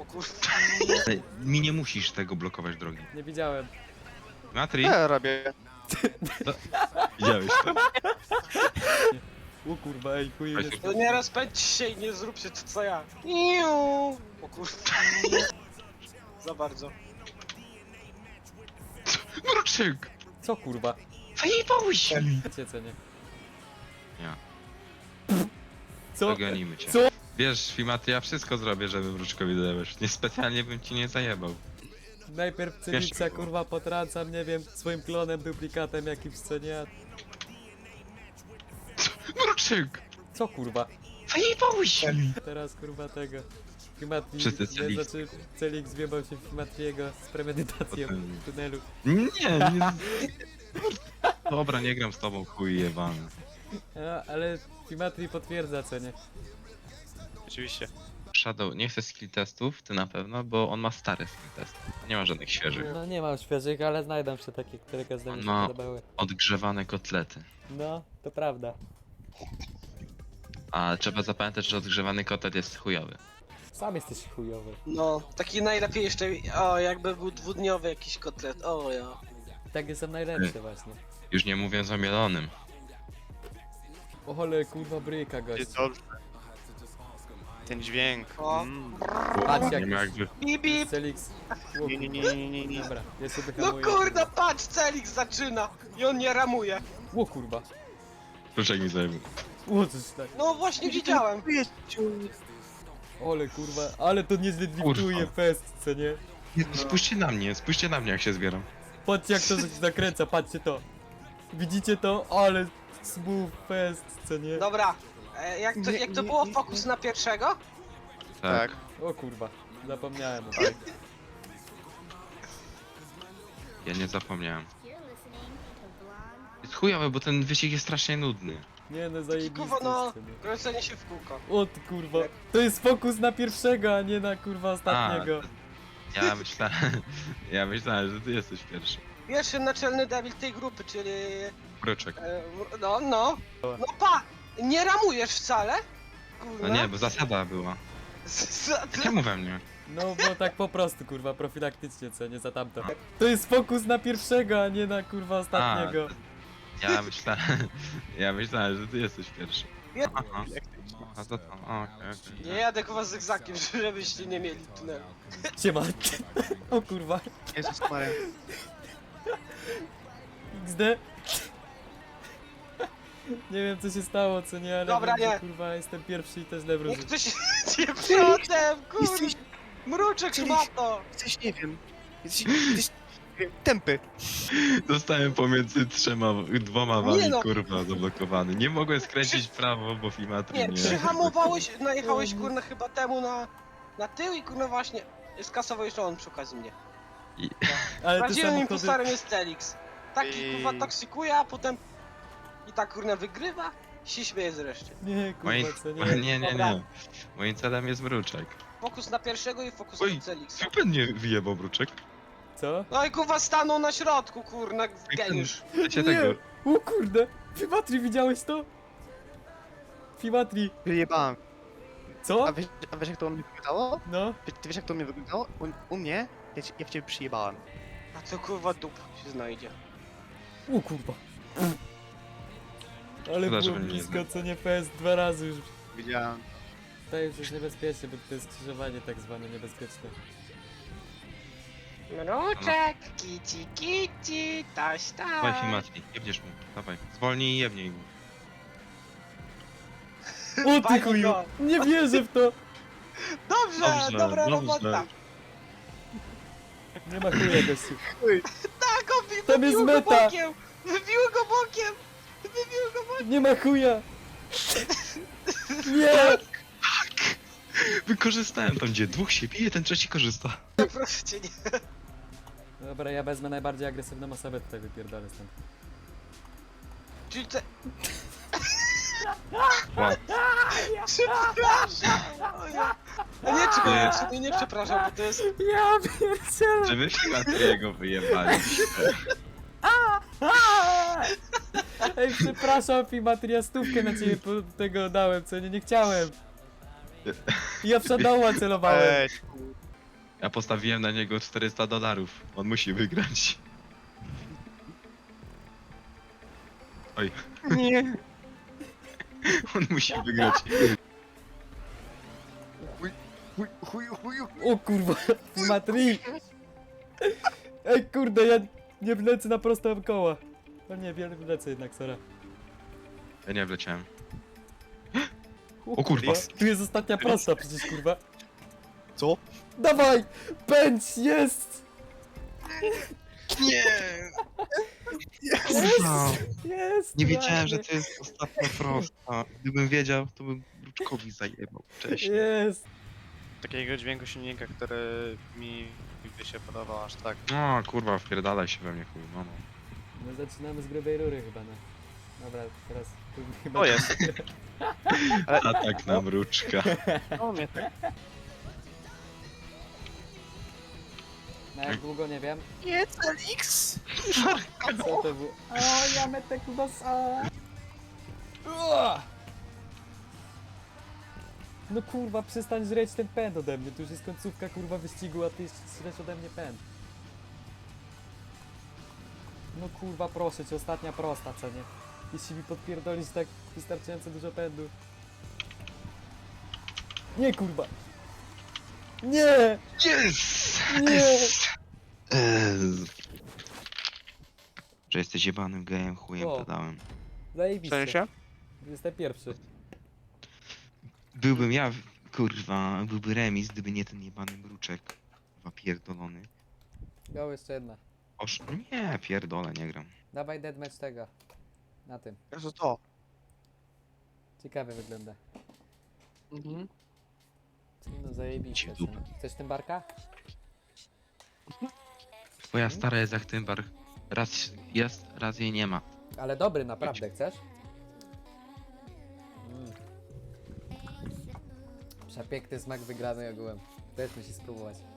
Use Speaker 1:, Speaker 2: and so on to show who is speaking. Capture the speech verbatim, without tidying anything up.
Speaker 1: kurwa.
Speaker 2: Ale mi nie musisz tego blokować drogi.
Speaker 3: Nie widziałem.
Speaker 2: Matri,
Speaker 4: Ja robię.
Speaker 2: widziałeś to?
Speaker 3: O kurwa, ej, chuj,
Speaker 2: Weź
Speaker 3: jest...
Speaker 1: To nie rozpędź się i nie zróbcie to co ja. Iu. O kurwa. Za bardzo.
Speaker 2: Mruczek!
Speaker 3: Co kurwa?
Speaker 2: Zajebałeś mi!
Speaker 3: Cię cenię.
Speaker 2: Ja.
Speaker 3: Co?
Speaker 2: Dogonimy cię.
Speaker 3: Co?
Speaker 2: Wiesz, Fimatri, ja wszystko zrobię, żeby Mruczkowi zajebać. Niespecjalnie bym ci nie zajebał.
Speaker 3: Najpierw Cylixa kurwa potrącam, nie wiem, swoim klonem, duplikatem jakimś, co nie?
Speaker 2: Mruczek!
Speaker 3: Co kurwa?
Speaker 2: Zajebałeś mi!
Speaker 3: Teraz kurwa tego. Fimatri,
Speaker 2: Wszyscy
Speaker 3: nie,
Speaker 2: Celix.
Speaker 3: znaczy Celix zwiebał się w Fimatriego z premedytacją
Speaker 2: Potem-
Speaker 3: w tunelu.
Speaker 2: Nie, nie. Dobra, nie gram z tobą, chuj jebany.
Speaker 3: A, ale Fimatri potwierdza, co nie?
Speaker 4: Oczywiście.
Speaker 2: Shadow, nie chcę skill testów, ty na pewno, bo on ma stare skill testy. Nie ma żadnych świeżych.
Speaker 3: No nie mam świeżych, ale znajdą się takie, które każdemu się
Speaker 2: No.
Speaker 3: podobały.
Speaker 2: Odgrzewane kotlety.
Speaker 3: No, to prawda.
Speaker 2: A trzeba zapamiętać, że odgrzewany kotlet jest chujowy.
Speaker 3: Sam jesteś chujowy.
Speaker 1: No, taki najlepiej jeszcze, o jakby był dwudniowy jakiś kotlet, o ja.
Speaker 3: Takie są najlepsze właśnie.
Speaker 2: Już nie mówiąc o mielonym.
Speaker 3: O ale kurwa bryka
Speaker 4: Jest
Speaker 3: gość.
Speaker 4: dobrze. Ten dźwięk.
Speaker 1: O.
Speaker 4: Mm.
Speaker 3: Patrz jak
Speaker 2: Nie ma jakby...
Speaker 1: Bip bip.
Speaker 3: Celix.
Speaker 4: Nie, nie, nie, nie, nie, nie.
Speaker 3: Dobra, ja sobie
Speaker 1: No
Speaker 3: hamuję.
Speaker 1: kurda, patrz, Celix zaczyna i on nie ramuje.
Speaker 3: O kurwa.
Speaker 2: Proszę mi zajebał.
Speaker 3: O coś tak.
Speaker 1: No właśnie widziałem.
Speaker 3: Ole kurwa, ale to niezły driftuje
Speaker 2: Kurwa.
Speaker 3: fest, co nie?
Speaker 2: Spójrzcie na mnie, spójrzcie na mnie jak się zbieram.
Speaker 3: Patrzcie jak to się zakręca, patrzcie to. Widzicie to? Ale smooth fest, co nie?
Speaker 1: Dobra, e, jak to, jak to było fokus na pierwszego?
Speaker 2: Tak.
Speaker 4: Tak.
Speaker 3: O kurwa, zapomniałem o tym.
Speaker 2: Ja nie zapomniałem. Jest chujowy, bo ten wyścig jest strasznie nudny.
Speaker 3: Nie no,
Speaker 1: Kurwa,
Speaker 3: zajebisty
Speaker 1: no,
Speaker 3: jest, co nie?
Speaker 1: kręcenie się w kółko.
Speaker 3: O ty kurwa, to jest fokus na pierwszego, a nie na kurwa ostatniego.
Speaker 2: Ja myślałem, ja myślałem, że ty jesteś pierwszy.
Speaker 1: Pierwszy naczelny debil tej grupy, czyli...
Speaker 2: Mruczek.
Speaker 1: E, no, no. No pa! Nie ramujesz wcale?
Speaker 2: No
Speaker 1: Kurwa.
Speaker 2: nie, bo zasada była.
Speaker 1: Za-
Speaker 2: Czemu we mnie?
Speaker 3: No bo tak po prostu kurwa, profilaktycznie, co nie za tamto. To jest fokus na pierwszego, a nie na kurwa ostatniego.
Speaker 2: Ja myślałem, ja myślałem, że ty jesteś pierwszy.
Speaker 1: Nie.
Speaker 2: Aha. A to tam, okej, okej.
Speaker 1: Nie jadę chyba z zygzakiem, żebyście nie mieli tunelu.
Speaker 3: Siema. O kurwa.
Speaker 4: Jezus Maria.
Speaker 3: X D. Nie wiem co się stało, co nie, ale
Speaker 1: Dobra,
Speaker 3: wiem, że,
Speaker 1: nie.
Speaker 3: kurwa jestem pierwszy i też lewy
Speaker 1: Niech ktoś nie przodem, kurwa!
Speaker 4: Jesteś,
Speaker 1: Mruczek szmato!
Speaker 4: jesteś, nie wiem. Jesteś, jesteś nie wiem, tępy.
Speaker 2: Zostałem pomiędzy trzema, dwoma
Speaker 1: Nie
Speaker 2: wami,
Speaker 1: no.
Speaker 2: kurwa, zablokowany. Nie mogłem skręcić w prawo, bo Fimatri
Speaker 1: Nie,
Speaker 2: nie...
Speaker 1: przyhamowałeś, najechałeś kurna chyba temu na, na tył i kurna właśnie skasował jeszcze on przy okazji mnie.
Speaker 3: Ale te
Speaker 1: Prawdziwym
Speaker 3: samochody...
Speaker 1: impostorem jest Telix. Taki
Speaker 4: I-
Speaker 1: kurwa toksykuje, a potem i tak kurna wygrywa i się śmieje zresztą.
Speaker 3: Nie,
Speaker 2: Moim...
Speaker 3: kurwa, co
Speaker 2: Nie,
Speaker 3: nie.
Speaker 2: nie,
Speaker 1: Dobra.
Speaker 2: nie. Moim celem jest Mruczek.
Speaker 1: Fokus na pierwszego i fokus
Speaker 2: Oj,
Speaker 1: na Telixa.
Speaker 2: Super nie wyjebał Mruczek.
Speaker 3: Co?
Speaker 1: No i kurwa stanął na środku, kurna, geniusz.
Speaker 2: Chcecie
Speaker 3: Nie.
Speaker 2: tego...
Speaker 3: O kurde. Fimatri, widziałeś to? Fimatri.
Speaker 4: Wyjebałem.
Speaker 3: Co?
Speaker 4: A wiesz, a wiesz jak to u mnie wyglądało?
Speaker 3: No.
Speaker 4: Ty, ty wiesz jak to u mnie wyglądało? U, u mnie? Ja, ci- ja w ciebie przyjebałem.
Speaker 1: A to kurwa dup się znajdzie.
Speaker 3: O kurwa. Ale
Speaker 2: Szkoda,
Speaker 3: było
Speaker 2: że mnie nie
Speaker 3: blisko,
Speaker 2: zna.
Speaker 3: co nie fest, dwa razy już.
Speaker 4: Widziałem.
Speaker 3: To już jest niebezpieczne, bo to jest skrzyżowanie tak zwane niebezpieczne.
Speaker 1: Mruczek, kici kici, taś
Speaker 2: Dawaj
Speaker 1: taś.
Speaker 2: Fimatri, jebniesz mu. Dawaj. Zwolnij i jebnij mu.
Speaker 3: O ty
Speaker 1: Pani
Speaker 3: chuju!
Speaker 1: go.
Speaker 3: Nie wierzę w to!
Speaker 1: Dobrze,
Speaker 2: Dobrze,
Speaker 1: dobra
Speaker 2: dobrze.
Speaker 1: robota.
Speaker 3: Nie ma chuja gościu.
Speaker 1: Tak, on wy-
Speaker 3: Tam jest
Speaker 1: wybił go
Speaker 3: meta.
Speaker 1: bokiem! Wybił go bokiem! Wybił go bokiem!
Speaker 3: Nie ma chuja! Nie!
Speaker 2: Wykorzystałem tam, gdzie dwóch się bije, ten trzeci korzysta.
Speaker 1: Proszę cię, nie.
Speaker 3: Dobra, ja wezmę najbardziej agresywną osobę tutaj, wypierdolę stąd.
Speaker 1: Czyli te...
Speaker 2: Wow.
Speaker 1: Przepraszam! O nie. A nie, czekaj,
Speaker 2: Nie.
Speaker 1: ja sobie nie przepraszam, bo to jest...
Speaker 3: Ja pierdzielę!
Speaker 2: Żeby Fimatriego wyjebali.
Speaker 3: Ej, przepraszam, Fimatria, stówkę na ciebie po tego dałem, co nie, nie chciałem. Ja w Shadowa celowałem.
Speaker 4: Ej,
Speaker 2: Ja postawiłem na niego czterysta dolarów. On musi wygrać. Oj,
Speaker 4: Nie.
Speaker 2: on musi wygrać.
Speaker 4: Chuj, chuj, chuj, chuj.
Speaker 3: O kurwa, Matri! Ej kurde, ja nie wlecę na proste koła. O nie, wiele wlecę jednak, Sara.
Speaker 2: Ja nie wleciałem.
Speaker 3: O,
Speaker 2: O kurwa.
Speaker 3: Tu jest ostatnia prosta przecież, kurwa.
Speaker 4: Co?
Speaker 3: Dawaj! Pędź, jest!
Speaker 2: Nie!
Speaker 3: Kurwa! Jest!
Speaker 2: Nie wiedziałem, że
Speaker 3: ładnie.
Speaker 2: to jest ostatnia prosta. Gdybym wiedział, to bym Bruczkowi zajebał wcześniej.
Speaker 3: Jest!
Speaker 4: Takiego dźwięku silnika, który mi by się podobał aż tak.
Speaker 2: No kurwa, wpierdalaj się we mnie chuj, no no.
Speaker 3: My zaczynamy z grubej rury chyba, no. Dobra, teraz... tu chyba-
Speaker 4: O, jest.
Speaker 2: Atak na Mruczka.
Speaker 4: O mnie tak.
Speaker 3: No jak długo, nie wiem.
Speaker 4: Jest Elix!
Speaker 3: Co to było? O, ja metę kubasa! Ua! No kurwa, przestań żreć ten pęd ode mnie. Tu już jest końcówka kurwa wyścigu, a ty jeszcze żresz ode mnie pęd. No kurwa, proszę cię, ostatnia prosta, co nie? Jeśli mi podpierdolisz tak wystarczająco dużo pędu. Nie kurwa! Nie!
Speaker 2: Yes!
Speaker 3: Nie!
Speaker 2: Eee. Że jesteś jebanym gejem, chujem
Speaker 3: O.
Speaker 2: dodałem.
Speaker 4: W
Speaker 3: Zajebiście.
Speaker 4: sensie?
Speaker 3: Jestem pierwszy.
Speaker 2: Byłbym ja, kurwa, byłby remis, gdyby nie ten jebany Mruczek. Kurwa, pierdolony.
Speaker 3: Go jeszcze jedna.
Speaker 2: Oż... Nie, pierdolę, nie gram.
Speaker 3: Dawaj deadmatch tego. Na tym.
Speaker 4: Jezu, to.
Speaker 3: Ciekawie wygląda.
Speaker 4: Mhm.
Speaker 3: No zajebiście.
Speaker 2: Ci dupa.
Speaker 3: Chcesz tym barka?
Speaker 2: Twoja stara jest jak tymbar. Raz jest, raz jej nie ma.
Speaker 3: Ale dobry, naprawdę, chcesz? Mm. Przepiękny smak wygrany ogółem. Też musi spróbować.